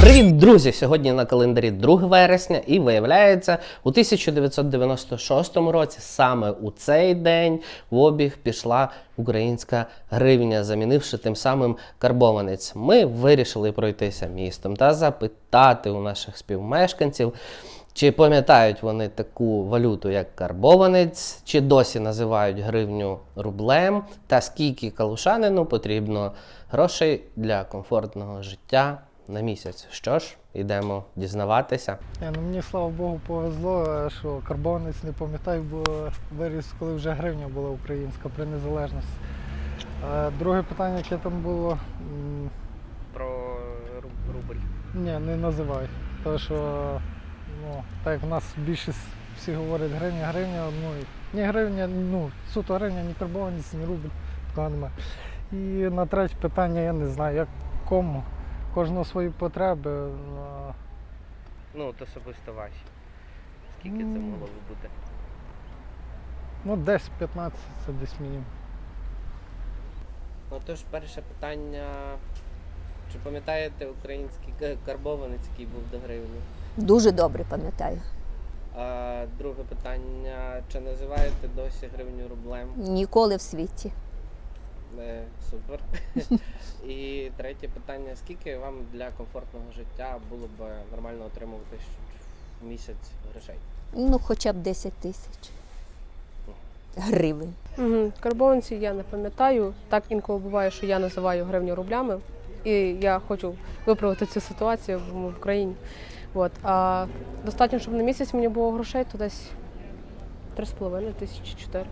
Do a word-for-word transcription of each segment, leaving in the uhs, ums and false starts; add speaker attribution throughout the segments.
Speaker 1: Привіт, друзі! Сьогодні на календарі друге вересня і виявляється, у тисяча дев'ятсот дев'яносто шостому році саме у цей день в обіг пішла українська гривня, замінивши тим самим карбованець. Ми вирішили пройтися містом та запитати у наших співмешканців, чи пам'ятають вони таку валюту, як карбованець, чи досі називають гривню рублем, та скільки калушанину потрібно грошей для комфортного життя на місяць. Що ж, йдемо дізнаватися.
Speaker 2: Я, ну, мені, слава Богу, повезло, що карбованець не пам'ятаю, бо виріс, коли вже гривня була українська при незалежності. А друге питання, яке там було? м,
Speaker 1: Про рубль.
Speaker 2: Ні, не називай. Тому що, ну, так як в нас більшість всі говорять гривня, гривня, ну, ні гривня, ну, суто гривня, ні карбованець, ні рубль, такого немає. І на третє питання, я не знаю, як кому. Кожного свої потреби. а,
Speaker 1: Ну, от особисто ваші. Скільки це
Speaker 2: М.
Speaker 1: могло б бути?
Speaker 2: Ну, десь п'ятнадцять, це десь мінімум.
Speaker 1: Отож, перше питання. Чи пам'ятаєте український ка- карбованець, який був до гривні?
Speaker 3: Дуже добре пам'ятаю.
Speaker 1: А друге питання. Чи називаєте досі гривню рублем?
Speaker 3: Ніколи в світі.
Speaker 1: Е, супер. І третє питання. Скільки вам для комфортного життя було б нормально отримувати щ- в місяць грошей?
Speaker 3: Ну, хоча б десять тисяч гривень.
Speaker 4: Угу. Карбованців я не пам'ятаю. Так інколи буває, що я називаю гривню рублями. І я хочу виправити цю ситуацію в, в країні. От. А достатньо, щоб на місяць мені було грошей, то десь три з половиною тисячі, чотири.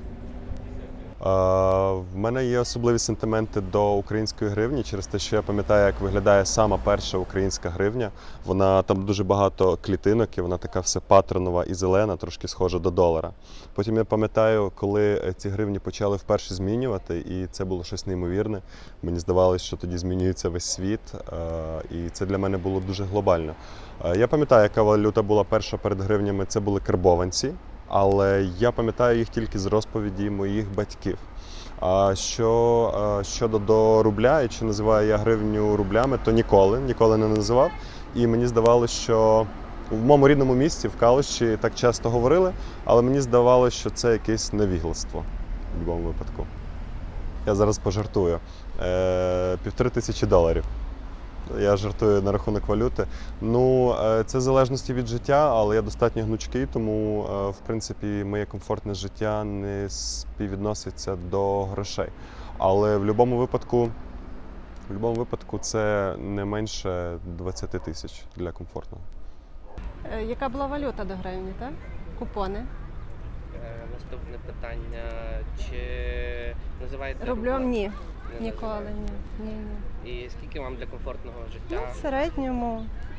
Speaker 5: А, В мене є особливі сентименти до української гривні через те, що я пам'ятаю, як виглядає сама перша українська гривня. Вона там дуже багато клітинок, і вона така все патронова і зелена, трошки схожа до долара. Потім я пам'ятаю, коли ці гривні почали вперше змінювати, і це було щось неймовірне. Мені здавалося, що тоді змінюється весь світ, а, і це для мене було дуже глобально. А, Я пам'ятаю, яка валюта була перша перед гривнями, це були карбованці. Але я пам'ятаю їх тільки з розповіді моїх батьків. А що щодо до рубля, і чи називаю я гривню рублями, то ніколи, ніколи не називав. І мені здавалося, що в моєму рідному місті, в Калуші, так часто говорили, але мені здавалося, що це якесь невігластво в будь-якому випадку. Я зараз пожартую. Е, півтори тисячі доларів. Я жартую на рахунок валюти. Ну, це в залежності від життя, але я достатньо гнучкий, тому, в принципі, моє комфортне життя не співвідноситься до грошей. Але в будь-якому випадку, в будь-якому випадку це не менше двадцять тисяч для комфортного.
Speaker 6: Е, Яка була валюта до гривні, так? Купони.
Speaker 1: Е, наступне питання. Чи називаєте
Speaker 6: Рублем ні.
Speaker 1: Не
Speaker 6: Ніколи
Speaker 1: називаєте?
Speaker 6: ні. Ні, ні.
Speaker 1: І скільки вам для комфортного
Speaker 6: Ну,
Speaker 1: життя?
Speaker 6: в середньому.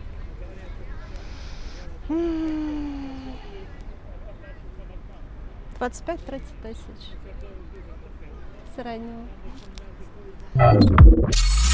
Speaker 6: м, двадцять п'ять - тридцять тисяч. В середньому.